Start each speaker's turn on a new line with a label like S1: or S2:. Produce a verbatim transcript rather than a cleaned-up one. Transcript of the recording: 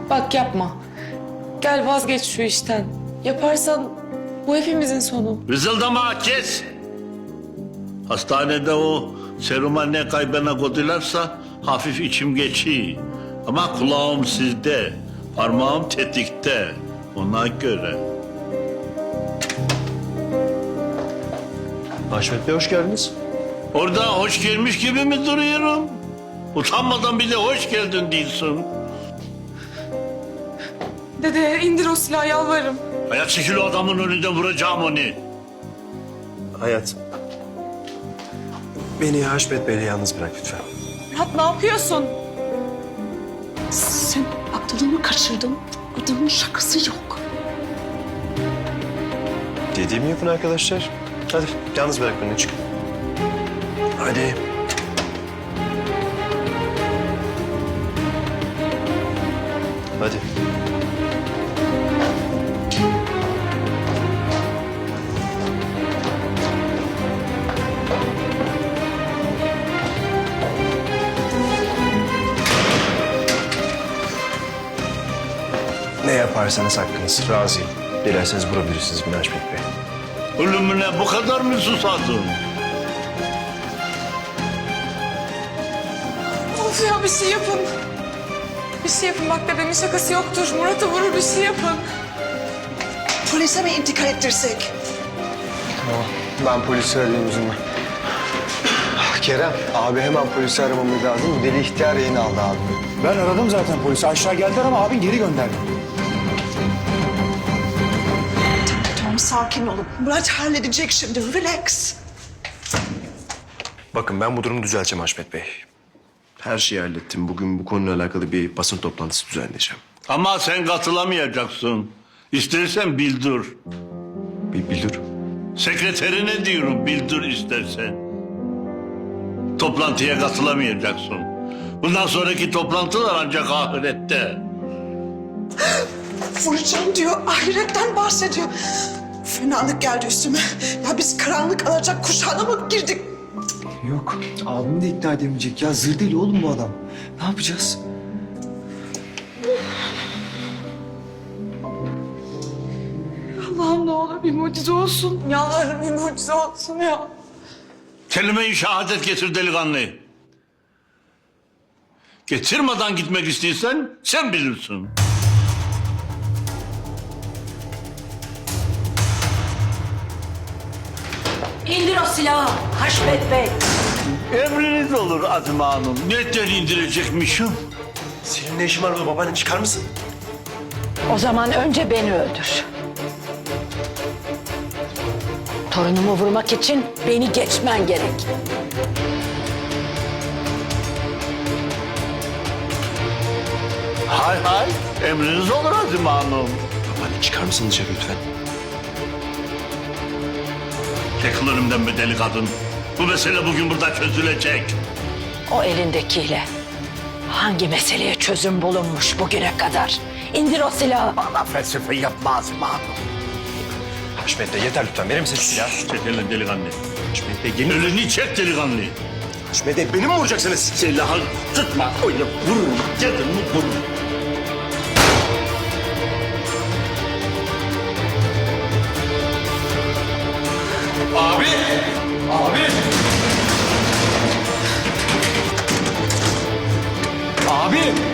S1: Bak yapma. Gel vazgeç şu işten. Yaparsan bu hepimizin sonu.
S2: Vızıldama kes. Hastanede o seruma ne kaybına koydularsa hafif içim geçiyor. Ama kulağım sizde, parmağım tetikte. Ona göre.
S3: Haşmet Bey hoş geldiniz.
S2: Orada hoş gelmiş gibi mi duruyorum? Utanmadan bir de hoş geldin diyorsun.
S1: Dede indir o silahı yalvarırım.
S2: Ayak çekil o adamın önünde vuracağım onu.
S3: Hayat. Beni Haşmet Bey'le yalnız bırak lütfen.
S1: Murat ne yapıyorsun?
S4: Sen aklını kaçırdın. Adamın şakası yok.
S3: Dediğimi yapın arkadaşlar. Hadi yalnız bırak beni çık. Hadi. Hadi. Ne yaparsanız hakkınız. Razıyım. Dilerseniz vurabilirsiniz beni Haşmet Bey.
S2: Ölümüne bu kadar mı susadın?
S1: Of ya bir şey yapın. Bir şey yapın bak dedemin şakası yoktur. Murat'ı vurur bir şey yapın.
S4: Polise mi intikal ettirsek?
S5: Tamam, ben polisi arayayım o zaman. Kerem, abi hemen polisi aramamız lazım. Bu deli ihtiyar yayını aldı abi.
S6: Ben aradım zaten polisi. Aşağı geldiler ama abin geri gönderdi.
S4: Tamam sakin olun. Murat halledecek şimdi. Relax.
S3: Bakın ben bu durumu düzelteceğim Haşmet Bey. Her şeyi hallettim. Bugün bu konuyla alakalı bir basın toplantısı düzenleyeceğim.
S2: Ama sen katılamayacaksın. İstersen bildir.
S3: Bir bildir.
S2: Sekreterine diyorum bildir istersen. Toplantıya katılamayacaksın. Bundan sonraki toplantılar ancak ahirette.
S4: Vuracağım diyor. Ahiretten bahsediyor. Fenalık geldi üstüme. Ya biz karanlık alacak kuşağına mı girdik?
S5: Yok, abim de ikna edemeyecek. Ya zır deli oğlum bu adam. Ne yapacağız?
S1: Allah'ım ne olur bir mucize olsun. Yalvarırım bir mucize olsun ya.
S2: Kelime-i şehadet getir delikanlı. Getirmeden gitmek istiyorsan sen bilirsin.
S7: İndir o silahı Haşmet Bey.
S2: Emriniz olur Azime Hanım. Neden indirecekmişim?
S3: Senin ne işin var burada babaanne çıkar mısın?
S7: O zaman önce beni öldür. Torunumu vurmak için beni geçmen gerek.
S2: Hay hay. Emriniz olur Azime Hanım.
S3: Babaanne çıkar mısın dışarı lütfen?
S2: Çekil önümden be deli kadın. Bu mesele bugün burada çözülecek.
S7: O elindekiyle hangi meseleye çözüm bulunmuş bugüne kadar? İndir o silahı.
S2: Bana felsefe yapma Azime Hanım.
S3: Haşmet Bey yeter lütfen. Verir misin şu silahı?
S2: Çekilin delikanlı.
S3: Haşmet Bey gelin.
S2: Elini çek delikanlı.
S3: Haşmet Bey beni mi vuracaksınız?
S2: Silahı tutma. Öyle vururum. Gelin mi vururum.
S6: Abi! Abi! Abi!